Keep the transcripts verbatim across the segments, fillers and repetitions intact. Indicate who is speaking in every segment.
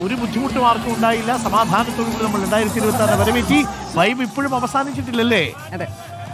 Speaker 1: ഒരു ബുദ്ധിമുട്ടും ആർക്കും ഉണ്ടായില്ല. സമാധാനത്തോടുകൂടി നമ്മൾ രണ്ടായിരത്തി ഇരുപത്തി ആറിനെ വരവേറ്റി. വൈബ് ഇപ്പോഴും അവസാനിച്ചിട്ടില്ലല്ലേ?
Speaker 2: അതെ.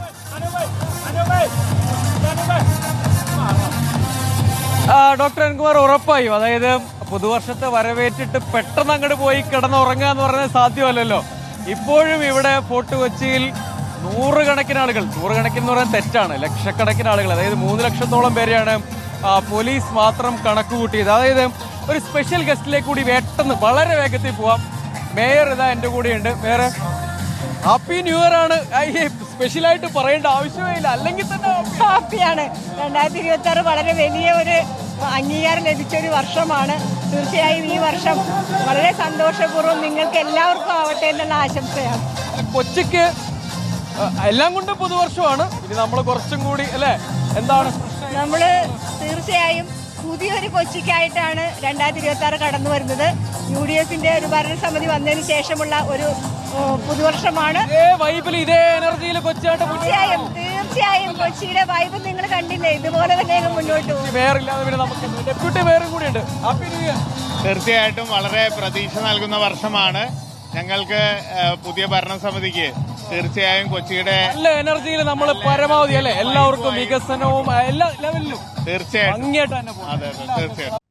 Speaker 2: ഡോക്ടർ അൻകുമാർ ഉറപ്പായും, അതായത് പുതുവർഷത്തെ വരവേറ്റിട്ട് പെട്ടെന്ന് അങ്ങോട്ട് പോയി കിടന്നുറങ്ങുക എന്ന് പറയുന്നത് സാധ്യമല്ലല്ലോ. ഇപ്പോഴും ഇവിടെ ഫോർട്ട് കൊച്ചിയിൽ നൂറുകണക്കിന് ആളുകൾ, നൂറുകണക്കിന് എന്ന് പറയാൻ തെറ്റാണ്, ലക്ഷക്കണക്കിന് ആളുകൾ, അതായത് മൂന്ന് ലക്ഷത്തോളം പേരെയാണ് പോലീസ് മാത്രം കണക്ക് കൂട്ടിയത്. അതായത് ഒരു സ്പെഷ്യൽ ഗസ്റ്റിലേക്ക് കൂടി പെട്ടെന്ന് വളരെ വേഗത്തിൽ പോവാം. മേയർ ഇതാ എൻ്റെ കൂടെയുണ്ട്. മേയർ, ഹാപ്പി ന്യൂ ഇയർ ആണ്. സ്പെഷ്യലായിട്ട് പറയേണ്ട ആവശ്യമില്ല, അല്ലെങ്കിൽ തന്നെ
Speaker 3: ഹാപ്പിയാണ്. രണ്ടായിരത്തി ഇരുപത്തി ആറ് വളരെ വലിയ ഒരു അംഗീകാരം ലഭിച്ച ഒരു വർഷമാണ്. തീർച്ചയായും ഈ വർഷം വളരെ സന്തോഷപൂർവ്വം നിങ്ങൾക്ക് എല്ലാവർക്കും ആവട്ടെ എന്നുള്ള ആശംസയാണ്.
Speaker 2: കൊച്ചിക്ക് എല്ലാം കൊണ്ടും പുതുവർഷമാണ്. ഇനി നമ്മൾ കുറച്ചും കൂടി അല്ലേ, എന്താണ്
Speaker 3: നമ്മൾ തീർച്ചയായും പുതിയൊരു കൊച്ചിക്കായിട്ടാണ് രണ്ടായിരത്തി ഇരുപത്തി ആറ് കടന്നു വരുന്നത്. യു ഡി എഫിന്റെ ഒരു ഭരണസമിതി വന്നതിന് ശേഷമുള്ള ഒരു പുതുവർഷമാണ്.
Speaker 2: വൈബിൽ ഇതേ എനർജിയിൽ കൊച്ചിയായിട്ട്
Speaker 3: തീർച്ചയായും തീർച്ചയായും കൊച്ചിയുടെ വൈബ് നിങ്ങൾ കണ്ടില്ലേ, ഇതുപോലെ തന്നെ മുന്നോട്ട് പോകും.
Speaker 2: മേയറില്ലാതെ പിന്നെ നമുക്ക് ഡെപ്യൂട്ടി മേയറും കൂടിയുണ്ട്. Happy new year.
Speaker 4: തീർച്ചയായിട്ടും വളരെ പ്രതീക്ഷ നൽകുന്ന വർഷമാണ് ഞങ്ങൾക്ക്. പുതിയ ഭരണസമിതിക്ക് തീർച്ചയായും കൊച്ചിയുടെ
Speaker 2: നല്ല എനർജിയിൽ നമ്മൾ പരമാവധി അല്ലെ എല്ലാവർക്കും വികസനവും എല്ലാ ലെവലിലും
Speaker 4: തീർച്ചയായും
Speaker 2: ഭംഗിയായിട്ട് തന്നെ പോകും.
Speaker 4: അതെ അതെ തീർച്ചയായും.